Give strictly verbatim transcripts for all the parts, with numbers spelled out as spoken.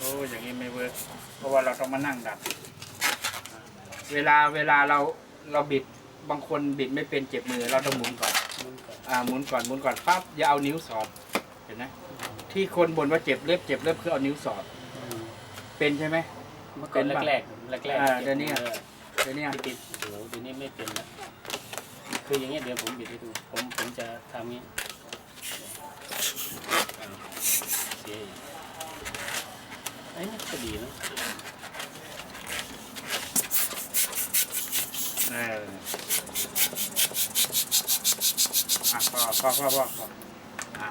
อย่างนี้ไม่เวิร์กเพราะว่าเราต้องมานั่งดัดเวลาเวลาเราเราบิดบางคนบิดไม่เป็นเจ็บมือเราต้องหมุนก่อนอ่าหมุนก่อนหมุนก่อนปั๊บอย่าเอานิ้วสอดเห็นไหมที่คนบ่นว่าเจ็บเล็บเจ็บเล็บคือเอานิ้วสอดเป็นใช่ไหมเมื่อก่อนแรกแรกแรกแรกเดี๋ยวนี้เดี๋ยวนี้บิดโอ้โหเดี๋ยวนี้ไม่เป็นแล้วคืออย่างเงี้ยเดี๋ยวผมบิดให้ดูผมผมจะทำนี้เสียไอ้นี่ก็ดีนะเอออ่ะพอพอพอพอพออ่ะ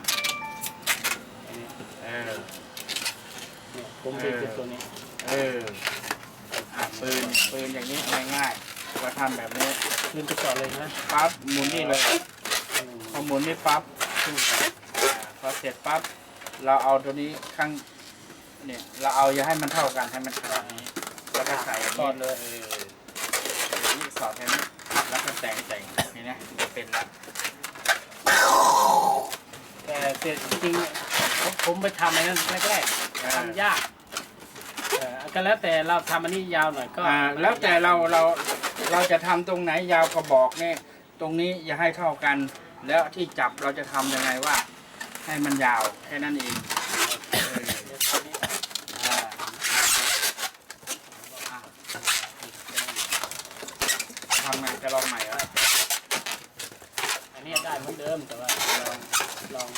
เออผมเป็นตัวนี้เอออ่ะปืนปืนอย่างนี้ง่ายๆเราทำแบบนี้ปืนไปก่อนเลยนะปั๊บหมุนนี่เลยพอหมุนนี่ปั๊บพอเสร็จปั๊บเราเอาตัวนี้ข้างเนี่ยเราเอาอย่าให้มันเท่ากันให้มันขนาดนี้แล้วก็ใส่สอดเลยนี่สอดแค่นี้แล้วก็แต่งแต่งนี่นะจะเป็นละแต่เสร็จจริงผมไปทำอะไรนั่นแรกๆทำยากก็แล้วแต่เราทำอันนี้ยาวหน่อยก็แล้วแต่เราเราเราจะทำตรงไหนยาวก็บอกเนี่ยตรงนี้อย่าให้เท่ากันแล้วที่จับเราจะทำยังไงว่าให้มันยาวแค่นั้นเองทำไงจะลองใหม่เหรออันนี้ได้เหมือนเดิมแต่ว่าลองลอง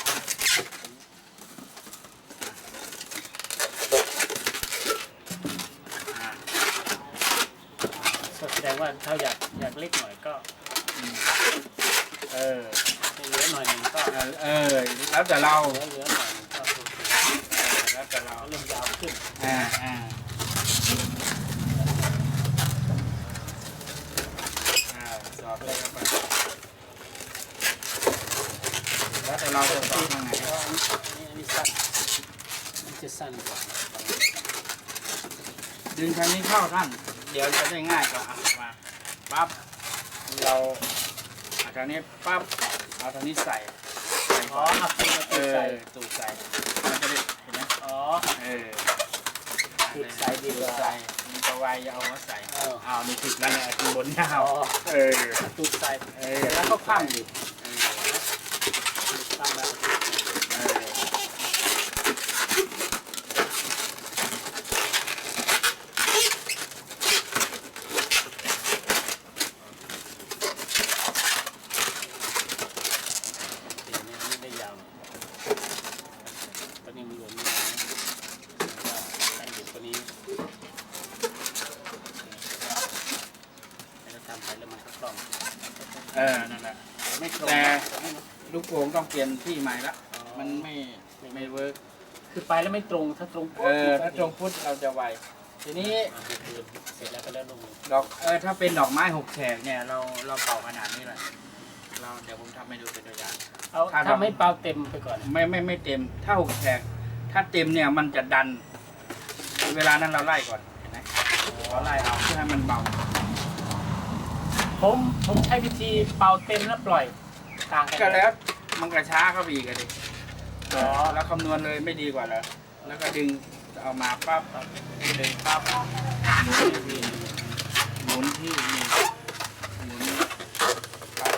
แสดงว่าถ้าอยากอยากเล็กหน่อยก็เออเหลือหน่อยนึงก็เออแล้วแต่เราเหลือเหลือหน่อยนึงก็แล้วแต่เราเริ่มยาวขึ้นอ่าอ่าอ่าสอบเลยครับแล้วแต่เราจะสอบยังไงก็อันนี้อันนี้สั้นมันจะสั้นกว่าดึงทางนี้เข้าท่านเดี๋ยวจะได้ง่ายกว่ามาปั๊บเราเอาทางนี้ปั๊บเอาทางนี้ใส่อ๋อเอาตูดใส่ตูดใส่มันจะได้เห็นไหมอ๋อเออตูดใส่ดีกว่าใส่มีตัววายยาวมาใส่เอานี่ติดแล้วเนี่ยติดบนยาวเออตูดใส่เออแล้วก็คว่ำดิเออคว่ำแล้วเออเออนั่นแหละไม่แต่ลูกโป่งต้องเปลี่ยนที่ใหม่ละมันไม่ไม่เวิร์กคือไปแล้วไม่ตรงถ้าตรงเออถ้าตรงพุทธเราจะไวทีนี้เสร็จแล้วก็แล้วลงดอกเออถ้าเป็นดอกไม้หกแฉกเนี่ยเราเราเป่าขนาดนี้เลยเราเดี๋ยวผมทำให้ดูเป็นตัวอย่างเอาถ้าไม่เป่าเต็มไปก่อนไม่ไม่ไม่เต็มถ้าหกแฉกถ้าเต็มเนี่ยมันจะดันเวลานั้นเราไล่ก่อนเห็นไหมเราไล่เอาเพื่อให้มันเบาผมผมใช้วิธีเป่าเต็มแล้วปล่อยต่างกันก็แล้วมันกระช้าเข้าไปอีกกันดิอ๋อแล้วคำนวณเลยไม่ดีกว่าเหรอแล้วก็ดึงเอามาปั๊บดึงปั๊บหมุนที่หมุนที่นี่หมุนปั๊บ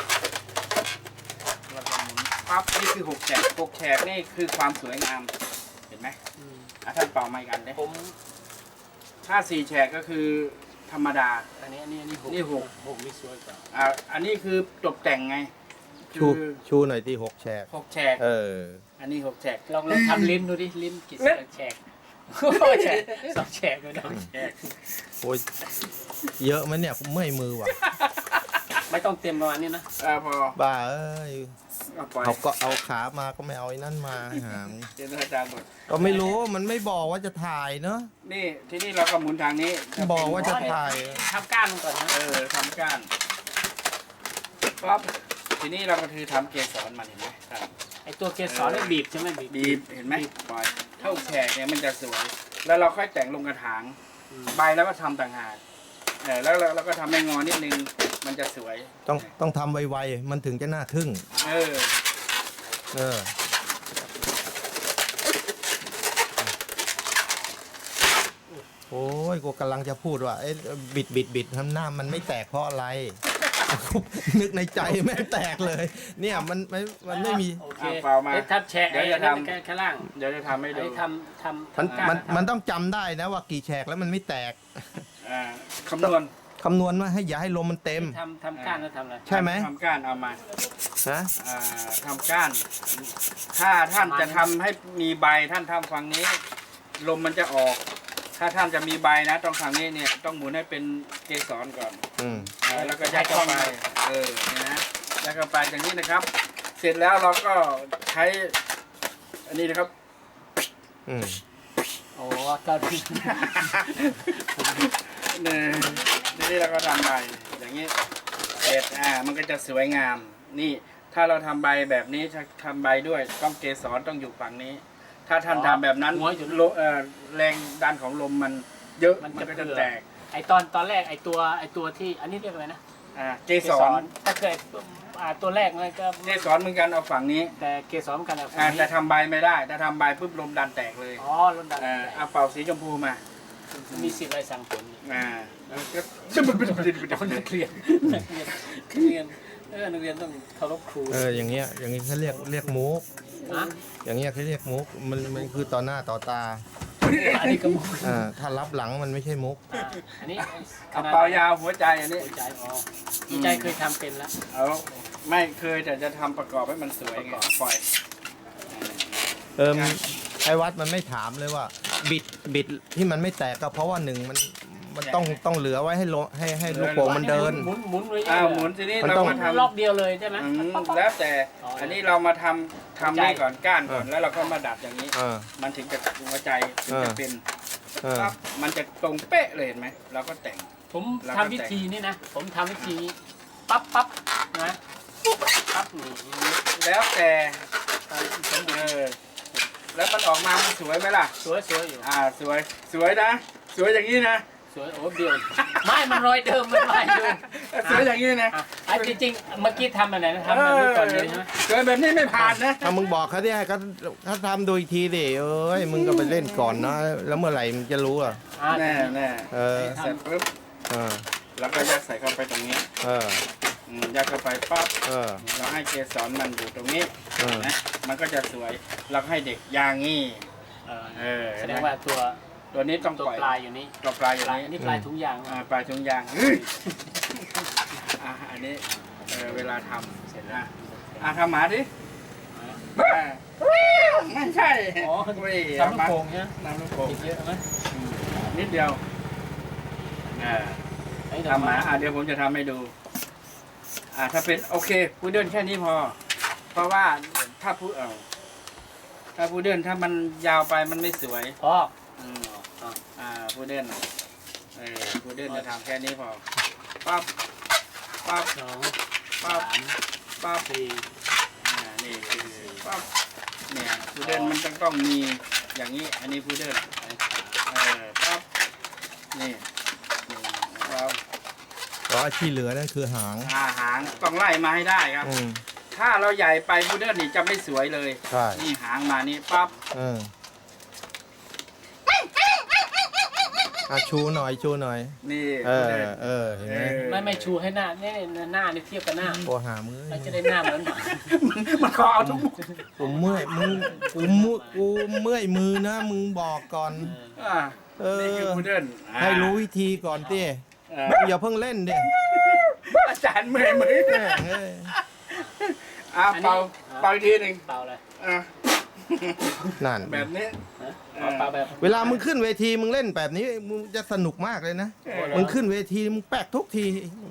แล้วก็หมุนปั๊บนี่คือหกแฉกหกแฉกนี่คือความสวยงามเห็นไหมอ่ะท่านเป่าไม้กันได้ผมถ้าสี่แฉกก็คือธรรมดาอันนี้อันนี้อันนี้หกนี่หกหกนี่สวยกว่าอ่าอันนี้คือตกแต่งไงชูชูหน่อยที่หกแฉกหกแฉกเอออันนี้หกแฉกลองลองทำลิ้นดูดิลิ้นกี่แฉกโอ้แฉกสองแฉกเลยนะแฉกโอ้ยเยอะไหมเนี่ยเมื่อยมือว่ะไม่ต้องเต็มประมาณนี้นะอ่าพอบ้าเอ้ยเอาก็เอาขามาก็ไม่เอาไอ้นั่นมาหางเจนอาจารย์หมดก็ไม่รู้มันไม่บอกว่าจะถ่ายเนาะนี่ที่นี่เราก็หมุนทางนี้บอกว่าจะถ่ายทำก้านก่อนนะเออทำก้านปั๊บทีนี้เราก็คือทำเกสรมันเห็นไหมครับไอตัวเกสรนี่บีบใช่ไหมบีบเห็นไหมปล่อยเท่าแฉกเนี่ยมันจะสวยแล้วเราค่อยแต่งลงกระถางใบแล้วก็ทำต่างหากเออแล้วเราก็ทำให้งอนิดนึงมันจะสวยต้องต้องทำไวๆมันถึงจะน่าทึ่งเออเออโอ้ยกูกำลังจะพูดว่าเอ้บิดบิดบิดทำหน้ามันไม่แตกเพราะอะไร นึกในใจแม่งแตกเลย เนี่ยมันไม่มันไม่มีโอเคอ่ะเปล่ามาเอ๊ะทับแฉกเดี๋ยวจะไอ้นั่นทำข้างล่างเดี๋ยวจะทำให้ไอ้ดูทำทำมันทำก้ามันทำมันต้องจำได้นะว่ากี่แฉกแล้วมันไม่แตกอ่าคำนวณคำนวณว่าให้อย่าให้ลมมันเต็มทำทำก้านแล้วทำอะไรใช่ไหมทำก้านเอามาฮะอ่าทำก้าน ถ้าท่านจะทำให้มีใบท่านทำฝั่งนี้ ลมมันจะออก ถ้าท่านจะมีใบนะต้องฝั่งนี้เนี่ยต้องหมุนให้เป็นเกสรก่อนอืมอ่าแล้วก็ยัดเข้าไปเออเนี่ยนะยัดเข้าไปอย่างนี้นะครับ เสร็จแล้วเราก็ใช้อันนี้นะครับอืมโอ้ก็ดีเนี่ยทีนี้เราก็ทำใบอย่างนี้เสร็จอ่ามันก็จะสวยงาม นี่ถ้าเราทำใบแบบนี้ถ้าทำใบด้วยต้องเกสรต้องอยู่ฝั่งนี้ ถ้าท่านทำแบบนั้นลมเอ่อแรงดันของลมมันเยอะมันก็จะแตกไอตอนตอนแรกไอตัวไอตัวที่อันนี้เรียกอะไรนะอ่าเกสรถ้าเคยอ่าตัวแรกมันก็เกสรเหมือนกันเอาฝั่งนี้แต่เกสรเหมือนกันอะอ่าแต่ทำใบไม่ได้ถ้าทำใบปุ๊บลมดันแตกเลยอ๋อลมดันอ่าเอาเป่าสีชมพูมามีสิทธิ์อะไรสั่งผลนี่อ่าแล้วก็เอานักเรียนนักเรียนนักเรียนเออนักเรียนต้องเคารพครูเอออย่างเงี้ยอย่างงี้เขาเรียกเรียกมุกนะอย่างเงี้ยเขาเรียกมุกมันมันคือต่อหน้าต่อตาอันนี้ก็มุกอ่าถ้ารับหลังมันไม่ใช่มุกอ่าอันนี้เอาเป่ายาวหัวใจอันนี้หัวใจอ๋อหัวใจเคยทำเป็นแล้วเอาไม่เคยแต่จะทำประกอบให้มันสวยไงปล่อยเออไอ้วัดมันไม่ถามเลยว่า บิดบิดที่มันไม่แตกก็เพราะว่าหนึ่งมันมันต้องต้องเหลือไว้ให้โลให้ให้ลูกโป่งมันเดินหมุนหมุนไว้อ้าวหมุนทีนี้มันเราต้องมาทรอบเดียวเลยใช่ไหมำอืมแล้วแต่อ๋ออัอันนี้เรามาทำทำนี่ก่อนก้านก่อนเออแล้วเราก็มาดัดอย่างนี้เออมันถึงจะหัวใจถึงจะเออเป็นเออปั๊บมันจะตรงเป๊ะเลยเห็นไหมเราก็แต่งผมเราก็ทำวิธีนี้นะ ผมทำวิธีปั๊บปั๊บนะปั๊บนี่แล้วแต่เออแล้วมันออกมามันสวยไหมล่ะสวยสวยอยู่อ่าสวยสวยนะ สวยอย่างนี้นะสวยโอ้เดียวไม่มันรอยเดิมมันรอยเดิมสวยอย่างนี้นะอ่ะไอ้จริงๆเมื่อกี้ทำอะไรนะทำแบบนี้ก่อนเลยใช่ไหมสวยแบบนี้ไม่ผ่านนะถ้ามึงบอกเขาที่ให้เขาเขาทำดูอีกทีดิเอ้ยมึงก็ไปเล่นก่อนนะแล้วเมื่อไหร่มึงจะรู้อ่ะอ่าแน่แน่เออเสร็จปุ๊บเออแล้วก็ยัดใส่เข้าไปตรงนี้เอออืมยัดเข้าไปปั๊บเออเราให้เกสรมันอยู่ตรงนี้เออนะมันก็จะสวยเราให้เด็กยางงี้เออเออแสดงว่าตัวตัวนี้ต้องตัวปล่อยปลายอยู่นี่ตัวปลายอย่างปลายนี้อันนี้ปลายถุงยางอ่าปลายถุงยางเฮ้ยอ่ะอันนี้เออเวลาทำเสร็จแล้วอ่ะทำหมาดิอ่ะไม่ใช่อ๋อเว้ยทำลูกโป่งใช่ไหมน้ำลูกโป่งติดเยอะไหมอืมนิดเดียวอ่าไอ้ทำหมาอ่ะเดี๋ยวผมจะทำให้ดู อ่าถ้าเป็นโอเคพูดเดินแค่นี้พอ เพราะว่าถ้าพูดเอาถ้าพูดเดินถ้ามันยาวไปมันไม่สวยพ่ออืมอ่าพูดเดินเออพูดเดินจะทำแค่นี้พอปั๊บปั๊บสองปั๊สาบมปั๊บสี่อ่านี่คือปั๊บเนี่ยพูดเดินมันต้องต้องมีอย่างนี้ อันนี้พูดเดินเออปั๊บนี่นี่ปั๊บเพราะที่เหลือนั่นคือหางอาหางต้องไล่มาให้ได้ครับอืมถ้าเราใหญ่ไปพูดเดินนี่จะไม่สวยเลยใช่นี่หางมานี่ปั๊บเอออ่ะชูหน่อยชูหน่อยนี่เอพูดอเดินเออเห็นไหมเออไม่ไม่ชูให้หน้าเนี่ยหน้านี่เทียบกับหน้าโอ้หามือเราจะได้หน้าเหมือนหมามันขอเอาทุกมุกกูเมื่อยมึงกูมือกูเมื่อยมือนะมึงบอกก่อนอ่าเออนี่คือพูดเดินอ่าให้รู้วิธีก่อนดิเอออย่าเพิ่งเล่นดิอาจารย์เมื่อยมือแม่งเอ้ยอ่าเป่าเป่าอีกทีหนึ่งเปล่าเลยอ่ะนั่นแบบนี้เปล่าแบบเวลามึงขึ้นเวทีมึงเล่นแบบนี้มึงจะสนุกมากเลยนะเออมึงขึ้นเวทีมึงแปลกทุกที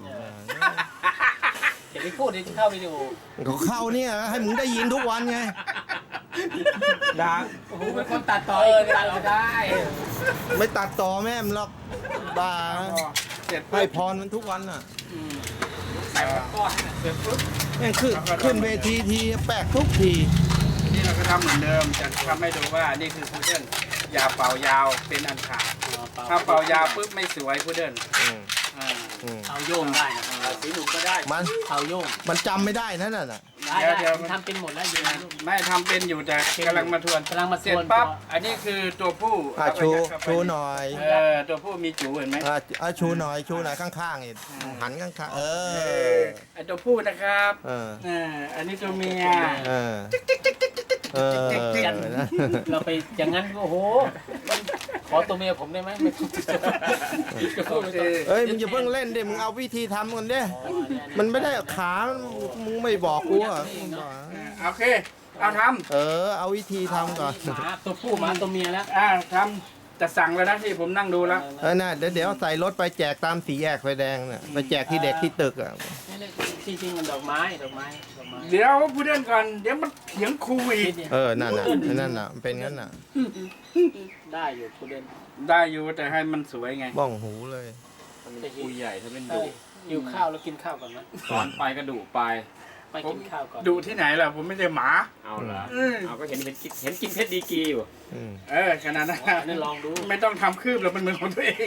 เดี๋ยวไปพูดเดี๋ยวจะเข้าวิดีโอเขาเข้าเนี่ยให้มึงได้ยินทุกวันไงด่าโอ้โหเป็นคนตัดต่อเออตัดเราได้ไม่ตัดต่อแม่มหรอกบ้าเสร็จให้ปุ๊บพรมันทุกวันอ่ะใส่ก้อนเสร็จปุ๊บแม่งขึ้นขึ้นเวทีทีแปลกทุกทีนี่เราก็ทำเหมือนเดิมจะทำให้ดูว่านี่คือพูดเดินอย่าเป่ายาวเป็นอันขาดถ้าเป่ายาวปุ๊บไม่สวยพูดเดินอืมอ่าอืมเอาโยงได้นะเอาสีหนุ่มก็ได้มันเอาโยงมันจำไม่ได้นั่นน่ะนได้เดี๋ยวเดี๋ยวผมทำเป็นหมดแล้วอยู่ในรูปไม่ทำเป็นอยู่แต่กำลังมาทวนกำลังมาทวนเสร็จปั๊บอันนี้คือตัวผู้อ่ะเอาไปชูยัดเข้าไปชูหน่อยเออตัวผู้มีจูเห็นไหมอ่ะอ่ะชูหน่อยชูหน่อยข้างๆอีกหันข้างๆเอเอออไอตัวผู้นะครับเออเอออันนี้ตัวเมียเออเออเราไปอย่างนั้นโอ้โหขอตัวเมียผมได้ไหมไม่ต้องจะพูดโอไม่เคต้องเอ้ยมึงอย่าเพิ่งเล่นดิมึงเอาวิธีทำก่อนดิอ๋อเนี่ยมันไม่ได้ขามึงไม่บอกกูอ่ะมึงบอกเออโอเคเอาทเออเอาวิธีทำก่อนหมาตัวผู้หมาตัวเมียแล้วำอ่าทำจะสั่งแล้วนะที่ผมนั่งดูแล้วเออน่ะเดี๋ยวเดี๋ยวใส่รถไปแจกตามสีแยกไฟแดงน่ะไปแจกที่เด็กที่ตึกอ่ะนี่ๆจริงๆมันดอกไม้ดอกไม้ดอกไม้เดี๋ยวพูดเรื่องก่อนเดี๋ยวมันเถียงครูอีกเออนั่นน่ะนั่นน่ะมันเป็นงั้นน่ะได้อยู่คุณเด่นได้อยู่แต่ให้มันสวยไงบ้องหูเลยจะหิครูวใหญ่ถ้าเป็นเอ้ดุยหิวข้าวแล้วกินข้าวก่อนไหมสอนไปก็ดุไปไปกินข้าวก่อนดุที่ไหนล่ะผมไม่ได้หมาเอาเหรออืมเอาก็เห็นเห็นกินเห็นกินเพชรดีกรีอยู่อืมเออขนาดนั้นอ๋อนี่ลองดูไม่ต้องทำคืบแล้วมันเหมือนของตัวเอง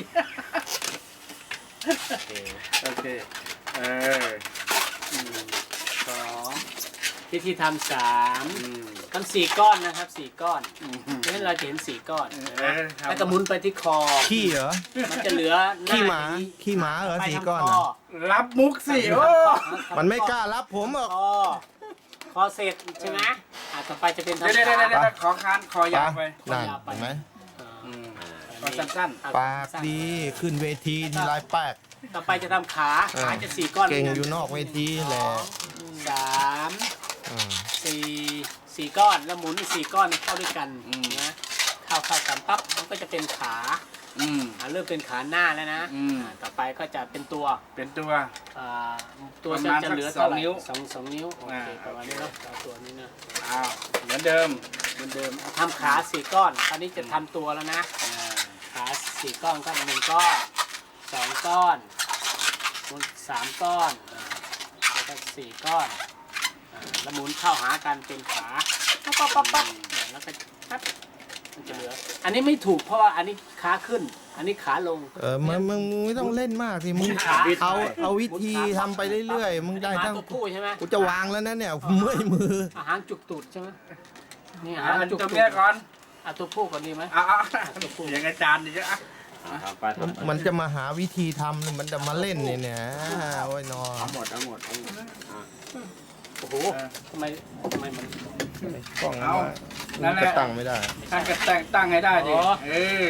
โอเค เอออืมสองวิธีทำสามอืมทำสี่ก้อนนะครับสี่ก้อนอืมเพราะฉะนั้นเราจะเห็นสี่ก้อนเออครับแล้วก็หมุนไปที่คอขี้เหรอมันจะเหลือขี้หมาน้นี้ขี้หมาเหรอไปสีทางก้อนคน่ะรับมุกสิโอ้มันไม่กล้ารับผมหรอกคอคอเสร็จใช่ไหมอ่ะต่อไปจะเป็นเดี๋ยวทำเดี๋ยวขาเดี๋ยวเดี๋ยวขอคานคอยาวไปนั่นเห็นไหมอืมขอสั้นอ่ะปากดีขึ้นเวทีทีไรแป๊กต่อไปจะทำขาเออขาจะสี่ก้อนเก่งหมือยู่นอกเวทีแหละสามอ่าสี่สี่ก้อนแล้วหมุนสี่ก้อนเข้าด้วยกันนะเข้าเข้ากันปั๊บมันก็จะเป็นขาๆอืมอ่ะเริ่มเป็นขาหน้าแล้วนะอืมอ่ะต่อไปก็จะเป็นตัวเป็นตัวอ่าตัวประจะมาณจะเหลือสักสองเท่าไหร่นิ้วสองสองนิ้วโอเคอ่าประมาณนี้เนาะเอาตัวนี้นะอ้าวเหมือนเดิมเหมือนเดิมทำขาสี่ก้อนตอนนี้จะทำตัวแล้วนะอ่าขาสี่ก้อนก็หนึ่งก้อนสองก้อนสามก้อนอ่าแล้วก็สี่ก้อนอ่าแล้วหมุนเข้าหากันเป็นขาปั๊บปั๊บปั๊บปั๊บแล้วก็ปั๊บมันจะเหลือ อันนี้ไม่ถูกเพราะว่าอันนี้ขาขึ้น อันนี้ขาลงเออมึงมึงมึงไม่ต้องเล่นมากสิมึงขาเอาเอาวิธีทำไปเรื่อยๆมึงได้หมาทั้งตัวผู้ใช่ไหมกูจะวางแล้วนะเนี่ยเมื่อยมืออาหารจุกตูดใช่ไหมนี่อาอ่าหารจุกตัวตูเมียดก่อนอ่ะตัวผู้ก่อนดีไหมเอ้าวอย่างอาจารย์ดิจ้ะทำไปทำไปมันจะมาหาวิธีทำเนี่ยมันจะมาเล่นเนี่ยเนี่ยโอ้ยนอเอาหมดเอาหมดเอาหมดอ่ะโอ้โหทำไมทำไมมันกล้องเอามันจะตั้งไม่ได้ตั้งก็ตั้งตั้งให้ได้ดิอ๋อเออ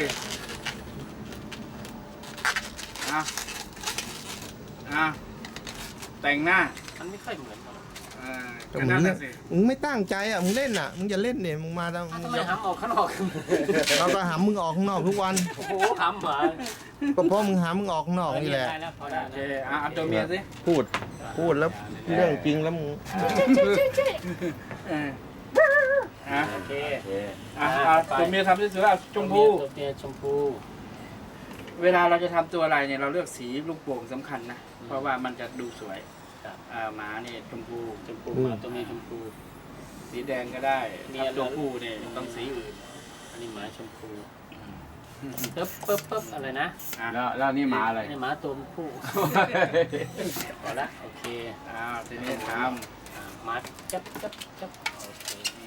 อ่ะอ่ะแต่งหน้ามันไม่ค่อยเหมือนกันเออแต่ก็มึนั่งนเนี่น่ะยสิมึงไม่ตั้งใจอ่ะมึงเล่นอ่ะมึงอย่าเล่นเนี่ยมึงมาทำทำไมหำออกข้างนอกเราก็หามึงออกข้างนอกทุกวันโอ้โหหำเหรอก็เพราะมึงหามึงออกข้างนอกนี่แหละได้แล้วพอได้โอเคแล้วอ่ะเอาตัวเมียสิพูดพูดแล้วเรื่องจริงแล้วมึงเอออ่ะโอเคโอเคอ่ะเอาตัวเมียทำสวยๆเอาชมพูตัวเมียชมพูเวลาเราจะทำตัวอะไรเนี่ยเราเลือกสีลูกโป่งสำคัญนะ เพราะว่ามันจะดูสวยครับอ่าหมาเนี่ยชมพูชมพูหมาตัวเมียชมพูสีแดงก็ได้มีถ้าอะไรตัวผู้เนี่ยต้องสีอื่นอันนี้หมาชมพูปึ๊บปึ๊บปึ๊บอะไรนะอ่ะแล้วแล้วนี่หมาอะไรนี่หมาตัวผู้พอละโอเคอ้าวทีนี้ทอ่ามาจับจับจับโอเค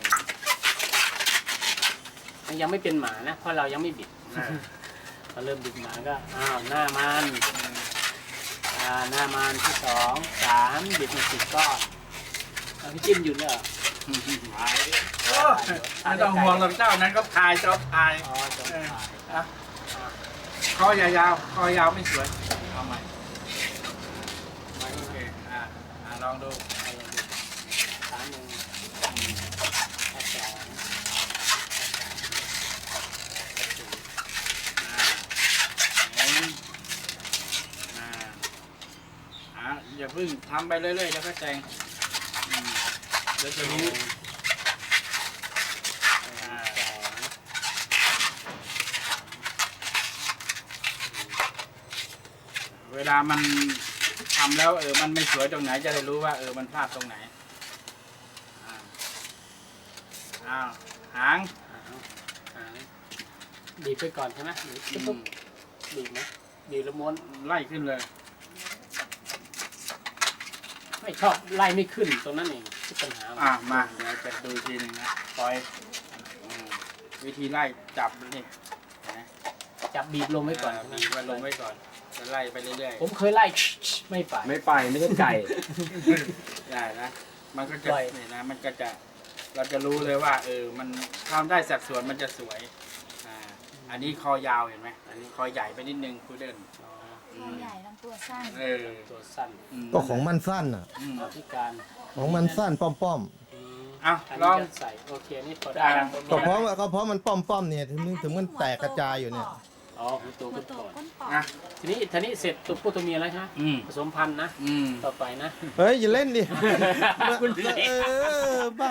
มันยังไม่เป็นหมานะ เพราะเรายังไม่บิดำอ่ะพอเริ่มบิดหมาก็อ้าวหน้ามันอ่าหน้ามันที่สองสามบิดมาสิบก้อนเอาพี่จิ้มหยุดเลยเหรอโอ้ไม่ต้องห่วงหรอกเจ้านั้นก็พายชอบพายอ๋อจบเออถ่ายอ่ะคอยาวๆคอยาวไม่สวยเอาใหม่โอเคอ่ะอ่ะลองดูเอาเลยดิขาหนึ่งขาสองอ่าหมุนอ่าอ่ะอย่าเพิ่งทำไปเรื่อยๆแล้วก็แจงอืมเดี๋ยวจะรู้อ่าสองเวลามันทำแล้วเออมันไม่สวยตรงไหนจะได้รู้ว่าเออมันพลาดตรงไหนอ่าอ้าวหางหางบีบไปก่อนใช่ไหมบีบอืปุ๊บมบีบไหมบีบแล้วม้วนไล่ขึ้นเลยไม่ชอบไล่ไม่ขึ้นตรงนั้นเองที่ปัญหาอ่ะมาเดี๋ยวจะดูทีหนึ่งนะปล่อยอืมวิธีไล่จับนี่นะจับบีบลงไว้ก่อนบีบไว้ลงไว้ก่อนจะไล่ไปเรื่อยผมเคยไล่ไม่ไปไม่ไปไม่ใช่ไก่ๆได้นะมันก็จะปล่อยนี่นะมันก็จะเราจะรู้เลยว่าเออมันทำได้สัดส่วนมันจะสวยอ่าอันนี้คอยาวเห็นไหมอันนี้คอใหญ่ไปนิดนึงพุดเดิ้ลอ๋อตัวใหญ่ลำตัวสั้นเออตัวสั้นมก็ของมันสั้นอ่ะอืมเอาที่การของมันสั้นป้อมป้อมอืมอ่ะอันลนี้องจะใส่โอเคนี่พอได้ได้นะๆก็เพราะว่าก็เพราะมันป้อมป้อมเนี่ยถึงถึงมันแตกกระจายอยู่เนี่ยอ๋อหัวตัวหัวขึ้นโตก่อนก้นปอดนะทีนี้ทีนี้เสร็จตัวผู้ตัวเมียแล้วใช่ไหมอืมผสมพันธุ์นะอืมต่อไปนะเฮ้ยอย่าเล่นดิคุณเออบ้า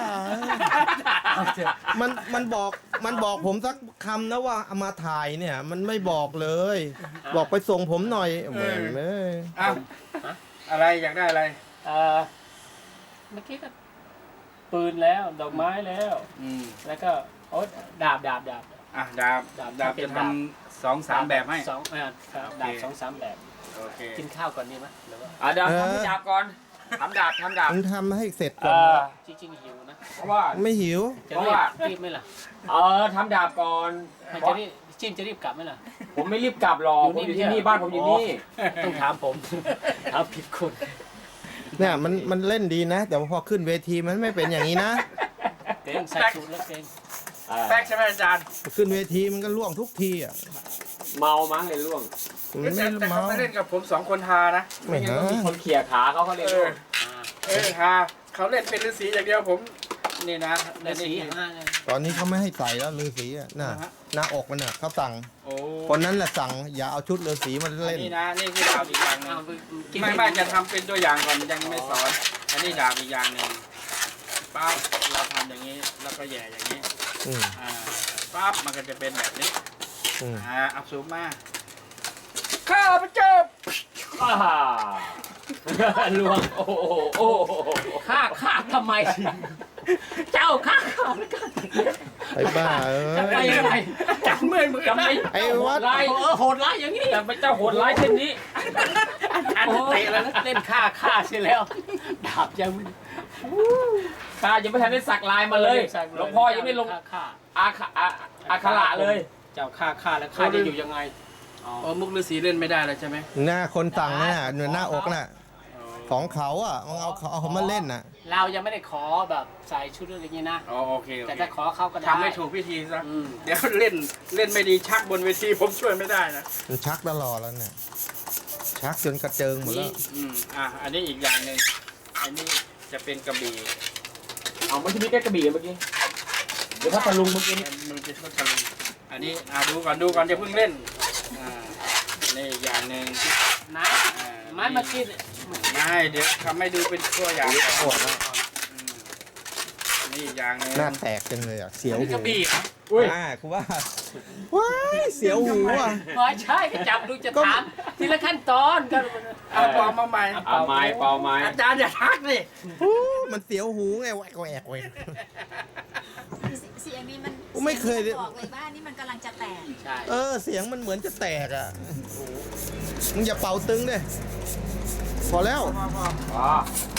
มันมันบอกมันบอกผมสักคำนะว่าเอามาถ่ายเนี่ย มันไม่บอกเลย บอกไปส่งผมหน่อยแหม่เอ้ยอ้าวอะไรอยากได้อะไรเอ่อเมื่อกี้ก็ปืนแล้วดอกไม้แล้วอืมแล้วก็โอ๊ยดาบดาบดาบอ่ะดาบดาบดาบเป็จะนทดาบำสองสามแบบให้สองเออครับดาบสองสามแบบโอเคกินข้าวก่อนดีไหมหรือว่าอ่ะเดี๋ยวทำที่ดาบก่อนทำดาบทำดาบมึงทำให้เสร็จเอก่อนอจริงๆหิวนะเพราะว่าไม่หิวจะเพราะรีบว่ารีบไหมล่ะเออทำดาบก่อนไม่จะรีบจิ้มจะรีบกลับไหมล่ะผมไม่รีบกลับหรอกอยู่ผมนี่อยู่ที่ไม่ใช่นี่บ้านผมอยู่นี่ต้องถามผม ถามผิดคนเนี่ยมันมันเล่นดีนะ แต่ว่าพอขึ้นเวทีมันไม่เป็นอย่างนี้นะเก่งใส่สูทแล้วเก่งเออแป๊กใช่ไหมอาจารย์ขึ้นเวทีมันก็ล่วงทุกทีอ่ะเมามั้งเลยล่วงมันไม่แต่เมาเขาไม่เล่นกับผมสองคนทานะไม่ฮะมีคนเขี่ยขาเขาเขาเลยเอล่วองอ่าเออทาเขาเล่นเป็นฤาษีอย่างเดียวผมนี่นะและสีห้าเนี่ยตอนนี้เขาไม่ให้ใส่แล้วฤาษีอ่ะน่ะอ่าฮะหน้าอกมันน่ะเขาสั่งโอ้คนนั้นแหละสั่งอย่าเอาชุดฤาษีมาเล่นนี่นะนี่คือดาบอีกอย่างหนึเอางไปกินไม่ไม่จะทำเป็นตัวอย่างก่อนยังไม่สอน อันนี้ดาบอีกอย่างหนึ่งปั๊บเราทำอย่างนี้แล้วก็แหย่อย่างนี้อืมอ่าปั๊บมันก็จะเป็นแบบนี้อืมอ่าอับสูงมาข้าพเจ้าอ่าล่วงโอ้โหโอ้โหฆ่าฆ่าทำไม เจ้าฆ่าข้าแล้วกันไอ้บ้าเอ้จะไปยยังไงจับมือมือจะไม่ไอ้วัดร้ายเออโหดร้ายอย่างนี้จะไม่เจ้าโหดร้ายเช่นนี้อันเตะแล้วนะเล่นฆ่าฆ่าเสียแล้ว ดาบยังไม่ข้ายังไม่ทันได้สักลายมาเลยหลวงพ่อยังไม่ลงฆ่าฆ่าอาคาอาอาคาระเลยเจ้าฆ่าฆ่าแล้วฆ่าจะอยู่ยังไงอ๋อโอ้มุกฤาษีเล่นไม่ได้แล้วใช่ไหมหน้าคนสั่งน่ะหน้าอกน่ะของเขาอ่ะมันเอาเขาเอาเขามาเล่นน่ะเรายังไม่ได้ขอแบบใส่ชุดอะไรอย่างนี้นะอ๋อโอเคโอแต่เคถ้าขอเขาก็ได้ทำให้ถูกพิธีซะอืมเดี๋ยวเล่นเล่นไม่ดีชักบนเวทีผมช่วยไม่ได้นะมันชักตลอดแล้วเนี่ยชักจนกระเจิงหมดแล้วอืมอ่ะอันนี้อีกอย่างหนึ่งอันนี้จะเป็นกระบี่เอาไม่ใช่มีแค่กระบี่เมื่อกี้เดี๋ยวถ้าตะลุงเมื่อกี้นี่มือจะทะลุอันนี้อ่ะดูก่อนดูก่อนจะเพิ่งเล่นอ่านี่อีกอย่างหนึ่งนะอ่าไม้เมื่อกี้ไม่เดี๋ยวทำให้ดูเป็นตัวอย่างก่อนปวดแล้วอืมนี่อีกอย่างหนึ่งหน้าแตกจังเลยอ่ะเสียวนี่หูกระบี่เหรออุ้ยอ่าคุณว่าว้ายเสียวหูอ่ะไม่ใช่ก็จับดูจะถามทีละขั้นตอนก็เอาปอมมาใหม่เอาไม้เป่าไม้อาจารย์อย่าทักสิอู้มันเสียวหูไงแหวกแหวกแหวกเสียงนี้มันผมไม่เคยสีงนบอกเลยว่านี่มันกำลังจะแตกใช่เออเสียงมันเหมือนจะแตกอ่ะมึงอย่าเป่าตึงดิพอแล้วพอพออ๋อ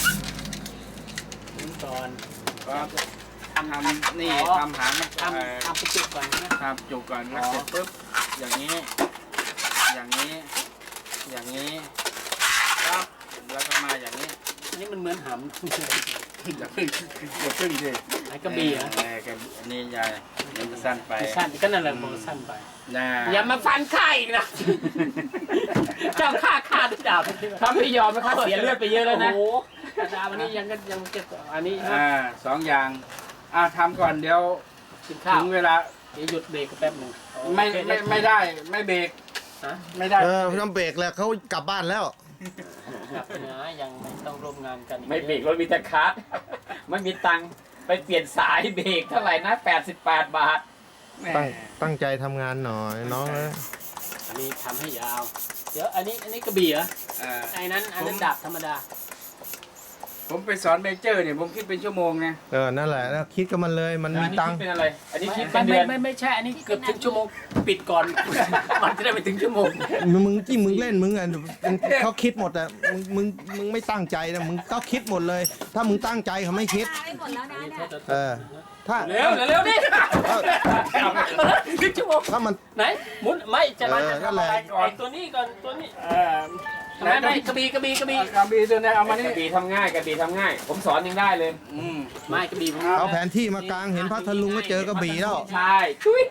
ขั้นตอนครับทำทำนี่ทำหางมันทำทำไปจุดก่อนนะทำจุกก่อนแล้วเสร็จปุ๊บอย่างนี้ อย่างนี้ อย่างนี้ครับแล้วก็มาอย่างนี้อันนี้มันเหมือนหอย่าพึ่งอย่าพึ่งสิำไอ้กระบี่เหรอเออกระบี่อันนี้ยายเดี๋ยวมันสั้นไปสั้นก็นั่นแหละมันสั้นไปนะอย่ามาฟันข้าอีกนะ เจ้าข้าข้าด้วยดาบถ้าไม่ยอมนะครับเสียเลือดไปเยอะแล้วนะโอ้โหดาบอันนี้ยังก็ยังเก็บอันนี้นะอ่าสองอย่างอ่าทำก่อนเดี๋ยวกินข้าวถึงเวลาเดี๋ยวหยุดเบรกแป๊บหนึ่งไม่ไม่ไม่ได้ไม่เบรกฮะไม่ได้เออน้ำเบรกแล้วเขากลับบ้านแล้วกลับไปนะยังไม่ต้องร่วมงานกันอีกไม่เบรกรถมีแต่คาร์ดไม่มีตังค์ไปเปลี่ยนสายเบรกเท่าไหร่นะแปดสิบแปดบาทแหมตั้งตั้งใจทำงานหน่อยน้องเอ้ยอันนี้ทำให้ยาว เดี๋ยวอันนี้อันนี้กระบี่เหรออ่าไอ้นั้นอันนั้นดาบธรรมดาผมไปสอนเมเจอร์เนี่ยผมคิดเป็นชั่วโมงนะเออนั่นแหละแล้วคิดกับมันเลยมันอัมีนนี้ตังคิดค์เป็นอะไร อันนี้คิดเป็ไม่นเดืไม่อนไม่ไม่ใช่อันนี้เกือบถึงชั่วโมงปิดก่อน มันจะได้ไปถึงชั่วโมงมึงที่มึงเล่นมึงอ่ะมึงเขาคิดหมดอ่ะมึงมึงมึงไม่ตั้งใจนะมึงก็คิดหมดเลย ถ้ามึงตั้งใจเขาไม่คิดไปหมดแล้วนะเนี่ยเออถ้าเร็วเร็วดิเออถึงชั่วโมงถ้ามันไหนหมุนไม่จะมาเออจะนั่นทำแหอะละไรก่อนไอ้ตัวนี้ก่อนตัวนี้เออไม่ไม่กระบี่กระบี่กระบี่กระบี่ตัวนี้เอามานี่กระบี่ทำง่ายกระบี่ทำง่าย ผมสอนยังได้เลยอืมไม่กระบี่ผมเอาแผนที่มากลางเห็นพัทลุงก็เจอกระบี่แล้วใช่จุ้ย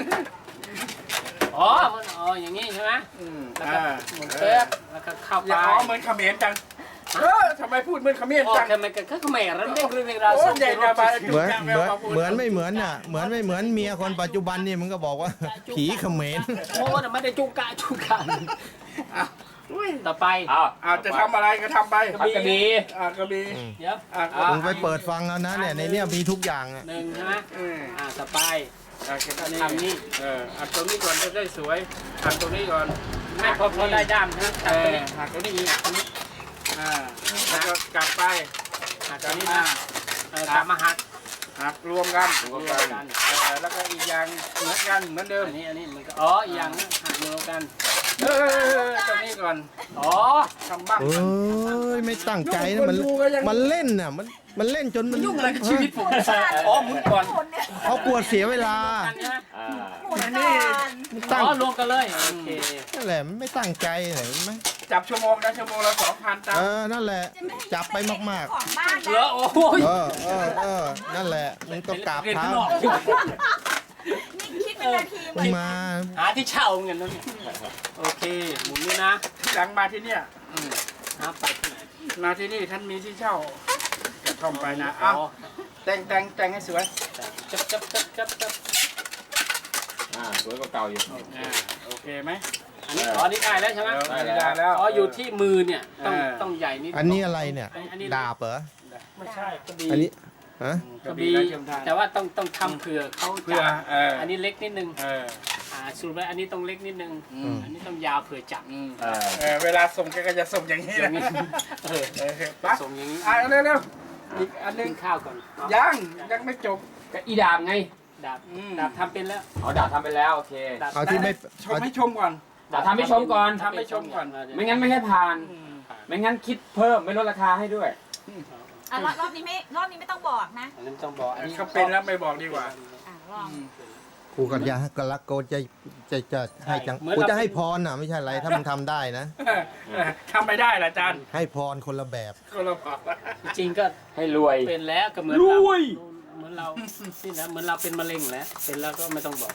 อ๋อมันอ๋ออย่างนี้ใช่ไหมอืมแล้วก็อ่าหมุนเป๊ะแล้วก็เข้าไปอย่าอ๋อเหมือนเขมรจังเออทำไมพูดเหมือนเขมรโอ้จังทำไมกันก็แม่เราเรียกเรื่องราวโอ้ส่งใหญ่รกว่าถบ้านเหมือนเหมือนเหมือนไม่เหมือนน่ะเหมือนไม่เหมือนเมียคนปัจจุบันนี่มึงก็บอกว่า ผีเขมรโอ้น่ะไม่ได้จุกกะจุกกะต่อไปอ้าวอาจจะทำอะไรก็ทำไปทำกระบี่อ่ากระบี่เดี๋ยวอ่ามึงไปเปิดฟังแล้วนะเนี่ยในเนี้ยมีทุกอย่างอ่ะหนึ่งใช่ไหมอืมอ่าต่อไปอ่าแค่นี้ทำนี่เอออัดตรงนี้ก่อนจะได้สวยอัดตรงนี้ก่อนไม่พอพอได้ด้ามใช่ไหมเอตัดตัวอนี้หักตรงนี้อีกอ่าแล้วก็กลับไปหักกตัลัวบนี้มานะเออกลับมาหักหักรวมกันรวมกันเออแล้วก็อีกอย่างเหมือนกันเหมือนเดิมอันนี้อันนี้มันก็อ๋ออีกอย่างนึงหักรวมกันเออตรงนี้ก่อนอ๋อทำบ้างเอ้ยไม่ตั้งใจนะมันมันเล่นน่ะมันมันเล่นจนมันยุ่งอะไรกับชีวิตผมอ๋อหมุนก่อนเขากลัวเสียเวลากันใช่ไหมอ่าหมุนก่อนตั้งอ๋อรวมกันเลยโอเคนั่นแหละไม่ตั้งใจเห็นไหมจับชั่วโมงนะชั่วโมงละสองพันตังเอค์อนั่นแหละจับไปมากของบ้านเหลือนะโอ้โหๆ เออเออเออนั่นแหละมึงก็กราบเรียนเท้าข้างนอกนี่คิดเป็นนาทีหมมึดงมาหาที่เช่าเงินนั่นเนี่ยโอเคหมุนนี่นะหลังมาที่เนี่ยอืมหาไปที่ไหนมาที่นี่ท่านมีที่เช่ากระท่อมไปนะเอ้าแต่งแต่งแต่งให้สวยจับจับจับจับจับอ่าสวยกว่าเก่าอยู่อ่าโอเคไหมอันนี้อ๋อนี่ได้แล้วใช่ไหมได้ได้แล้วอ๋ออยู่ที่มือเนี่ยต้องเออต้องใหญ่นิดอันนี้อะไรเนี่ยอันนี้ดาบเหรอไม่ใช่กระบี่อันนี้ฮะกระบี่และเทียมทานแต่ว่าต้องต้องทำเผื่อเขาเพื่อจับเอออันนี้เล็กนิดนึงเอออ่าสูตรไว้อันนี้ต้องเล็กนิดนึงอืมอันนี้ต้องยาวเผื่อจับอืมเออเออเวลาส่งแกก็จะส่งอย่างนี้อแหละย่างนี้เออเออไปส่งอย่างนี้อ่ะเร็วๆอีกอันหนึกิงนข้าวก่อนเอายังยังไม่จบก็อีดาบไงดาบอืมดาบทำเป็นแล้วเอาดาบทำไปแล้วโอเคดาบเอาที่ไม่ชมให้ชมก่อนดาบทำให้ชมก่อนทำให้ชมก่อนไม่งั้นไม่ให้ผ่านอืมไม่งั้นคิดเพิ่มไม่ลดราคาให้ด้วยอ่ะรอบรอบนี้ไม่รอบนี้ไม่ต้องบอกนะอันนี้ต้องบอกอันนี้เขาเป็นแล้วไม่บอกดีกว่าอ่ะลองกูกับยาก็รักโกจะจะจะให้จังกูจะให้พรน่ะไม่ใช่อะไรถ้ามึงทำได้นะทำไม่ได้เหรออาจารย์ให้พรคนละแบบก็เราบอกว่าจริงๆก็ให้รวยเป็นแล้วก็เหมือนรเราวยเหมือนเรานี่นะเหมือนเราเป็นมะเร็งแล้วเป็นแล้วก็ไม่ต้องบอก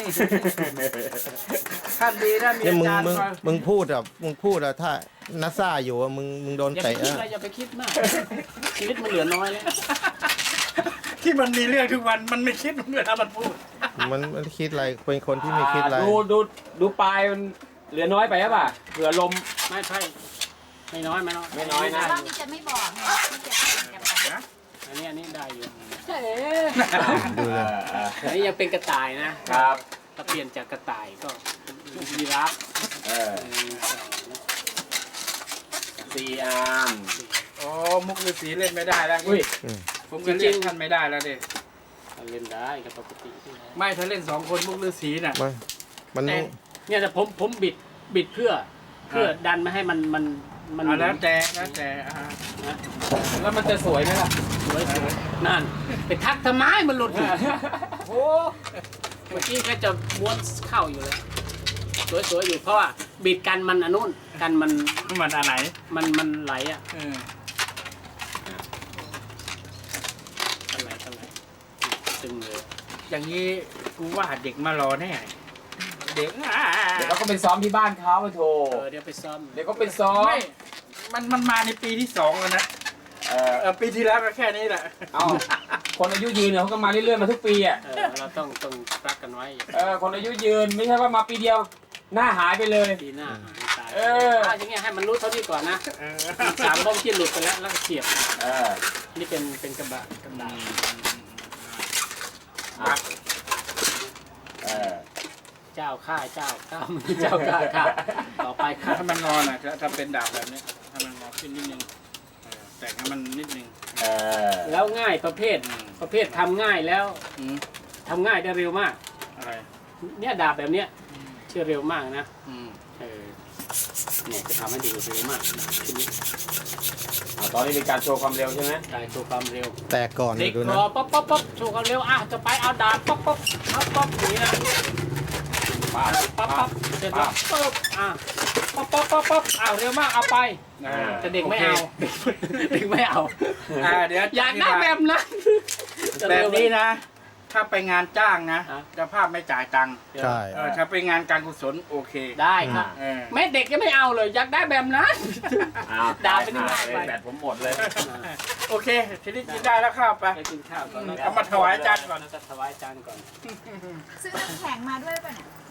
ท่านดีท่านมีเนี่ยอามึงจารย์มึงคอยมึงพูดอ่ะมึงพูดอ่ะถ้านัสซ่าอยู่อ่ะมึงมึงโดนอย่าไปเตะคิดอ่ะอะไรอย่าไปคิดมากชีวิตมันเหลือน้อยแล้วที่มันมีเรื่องทุกวันมันไม่คิดเวลามันพูดมันมันคิดอะไรเป็นคนที่ไม่คิดอะไรดูดูดูปลายมันเหลือน้อยไปหรือเปล่าเผื่อลมไม่ใช่ไม่น้อยไม่น้อยไม่น้อยนะรอบนี้จะไม่บอกไงที่จะเป็นกันไปอันนี้อันนี้ได้อยู่ดูเลยอันนี้ยังเป็นกระต่ายนะครับ ถ้าเปลี่ยนจากกระต่ายก็เป็นยีราฟเออหนึ่งสองสี่อาร์มโอ้มุกฤาษีเล่นไม่ได้แล้วอุ้ยผมก็เล่นท่านไม่ได้แล้วดิเอาเล่นได้กับปกติไม่ถ้าเล่นสองคนมุกฤาษีน่ะมันมันต้องเนี่ยแต่ผมผมบิดบิดเพื่อเพื่อดันไม่ให้มันมันมันเอาแล้วแต่แล้วแต่อ่านะแล้วมันจะสวยไหมล่ะสวยสวยนั่นไปทักทำไมมันหลุดอยู่โอ้เมื่อกี้ก็จะม้วนเข้าอยู่เลยสวยสวยอยู่เพราะว่าบิดกันมันอันนู้นกันมันมันอะไรมันมันไหลอ่ะเออกันไหลกันไหลตึงเลยอย่างนี้กูว่าเด็กมารอแน่เด็กอ่าเดี๋ยวเราก็ไปซ้อมที่บ้านเขาไปโทรเออเดี๋ยวไปซ่อมเดี๋ยวก็ไปซ้อมไม่มันมันมาในปีที่สองแล้วนะเออเออปีที่แล้วก็แค่นี้แหละเอาคนอายุยืนเนี่ยเขาก็มาเรื่อยๆมาทุกปีอ่ะเออเราต้องต้องรักกันไว้เออคนอายุยืนไม่ใช่ว่ามาปีเดียว หน้าหายไปเลยปีหน้าหายตายเออถ้าอย่างเงี้ยให้มันรู้เท่านี้ก่อนนะเออสามบ้องที่หลุดไปแล้วแล้วก็เสียบเออนี่เป็นเป็นกระบะกระดาษอ่ะเออเจ้าข้าเจ้าข้ามึงเจ้าข้าข้าต่อไปข้าถ้ามันงอนอ่ะถ้าถ้าเป็นดาบแบบนี้ถ้ามันงอขึ้นนิดนึงเออแต่งให้มันนิดนึงเออแล้วง่ายประเภทอืมประเภททำง่ายแล้วอืมทำง่ายได้เร็วมากอะไรเนี่ยดาบแบบเนี้ยเชื่อเร็วมากนะอืมเออเนี่ยจะทำให้ดูเร็วมากทีนี้อ่าตอนนี้เป็นการโชว์ความเร็วใช่ไหมได้โชว์ความเร็วแตกก่อนเด็กดูรนะอป๊อปป๊อปป๊อปโชว์ความเร็วอ่ะจะไปเอาดาบป๊อปป๊อปป๊อปป๊อปอย่างนี้นะป้าป๊อปป๊อปเสร็จแล้วปุ๊บอ่ะป๊อปป๊อปป๊อปป๊อปอ้าวเร็วมากเอาไปอ่าแต่เด็กไม่เอา เด็กไม่เอาอ่าเดี๋ยวอยากได้แบบนั้นแบบนี้นะ ถ้าไปงานจ้างนะฮะเจ้าภาพไม่จ่ายตังค์ใช่เออถ้าไปงานการกุศลโอเคได้ครับเออแม่เด็กยังไม่เอาเลยอยากได้แบบนั้นอ้าวดาวเป็นยังไงหายแบตผมหมดเลยโอเค ทีนี้กินได้แล้วข้าวไปไปกินข้าวก่อนเอามาถวายอาจารย์ก่อนเราจะถวายอาจารย์ก่อนซื้อน้ำแข็งมาด้วยป่ะเนี่ย